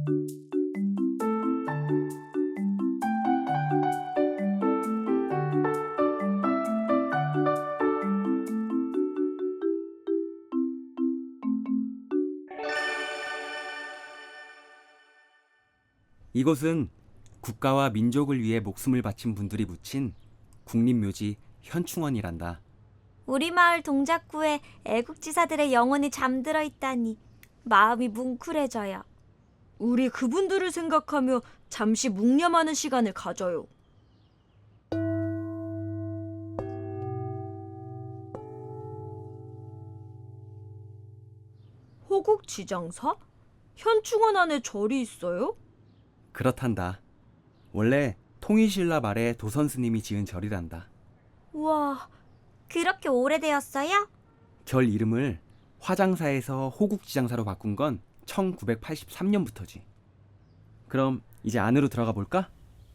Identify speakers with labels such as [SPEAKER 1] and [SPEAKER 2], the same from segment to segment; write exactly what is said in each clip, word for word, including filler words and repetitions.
[SPEAKER 1] 이곳은 국가와 민족을 위해 목숨을 바친 분들이 묻힌 국립묘지 현충원이란다.
[SPEAKER 2] 우리 마을 동작구에 애국지사들의 영혼이 잠들어 있다니 마음이 뭉클해져요.
[SPEAKER 3] 우리 그분들을 생각하며 잠시 묵념하는 시간을 가져요. 호국지장사? 현충원 안에 절이 있어요?
[SPEAKER 1] 그렇단다. 원래 통일신라 말에 도선스님이 지은 절이란다.
[SPEAKER 2] 우와, 그렇게 오래되었어요?
[SPEAKER 1] 절 이름을 화장사에서 호국지장사로 바꾼 건 천구백팔십삼 년부터지. 그럼 이제 안으로 들어가 볼까?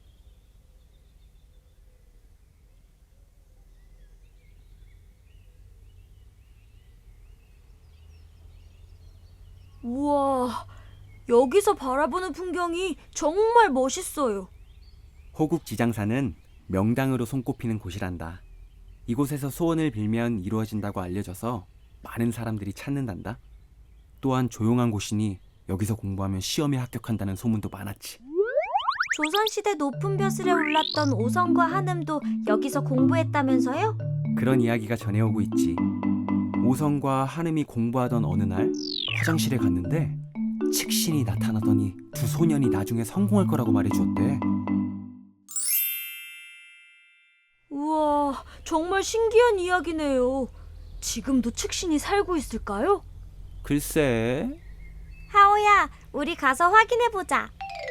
[SPEAKER 3] 우와, 여기서 바라보는 풍경이 정말 멋있어요.
[SPEAKER 1] 호국지장사는 명당으로 손꼽히는 곳이란다. 이곳에서 소원을 빌면 이루어진다고 알려져서 많은 사람들이 찾는단다. 또한 조용한 곳이니 여기서 공부하면 시험에 합격한다는 소문도 많았지.
[SPEAKER 2] 조선시대 높은 벼슬에 올랐던 오성과 한음도 여기서 공부했다면서요?
[SPEAKER 1] 그런 이야기가 전해오고 있지. 오성과 한음이 공부하던 어느 날 화장실에 갔는데 칙신이 나타나더니 두 소년이 나중에 성공할 거라고 말해주었대.
[SPEAKER 3] 우와, 정말 신기한 이야기네요. 지금도 칙신이 살고 있을까요?
[SPEAKER 1] 글쎄.
[SPEAKER 2] 하오야, 우리 가서 확인해보자.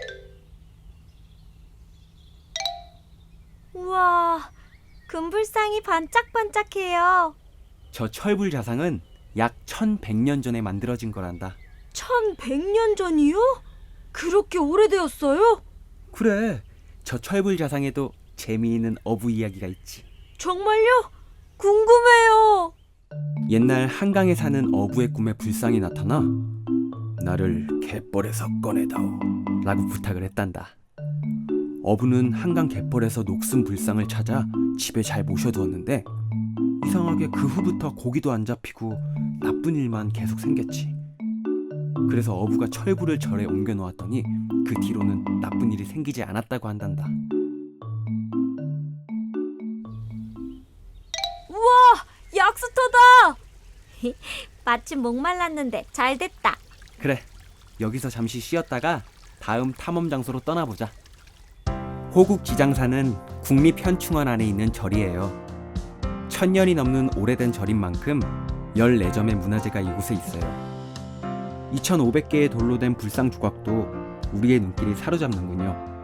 [SPEAKER 2] 우와, 금불상이 반짝반짝해요.
[SPEAKER 1] 저 철불 자상은 약 천백 년 전에 만들어진 거란다.
[SPEAKER 3] 천백 년 전이요? 그렇게 오래되었어요?
[SPEAKER 1] 그래, 저 철불 자상에도 재미있는 어부 이야기가 있지.
[SPEAKER 3] 정말요? 궁금해요.
[SPEAKER 1] 옛날 한강에 사는 어부의 꿈에 불상이 나타나 나를 갯벌에서 꺼내다오 라고 부탁을 했단다. 어부는 한강 갯벌에서 녹슨 불상을 찾아 집에 잘 모셔두었는데 이상하게 그 후부터 고기도 안 잡히고 나쁜 일만 계속 생겼지. 그래서 어부가 철불을 절에 옮겨 놓았더니 그 뒤로는 나쁜 일이 생기지 않았다고 한단다.
[SPEAKER 3] 우와, 약수터다.
[SPEAKER 2] 마침 목말랐는데 잘 됐다.
[SPEAKER 1] 그래, 여기서 잠시 쉬었다가 다음 탐험 장소로 떠나보자. 호국지장사는 국립현충원 안에 있는 절이에요. 천년이 넘는 오래된 절인 만큼 열네 점의 문화재가 이곳에 있어요. 이천오백 개의 돌로 된 불상 조각도 우리의 눈길이 사로잡는군요.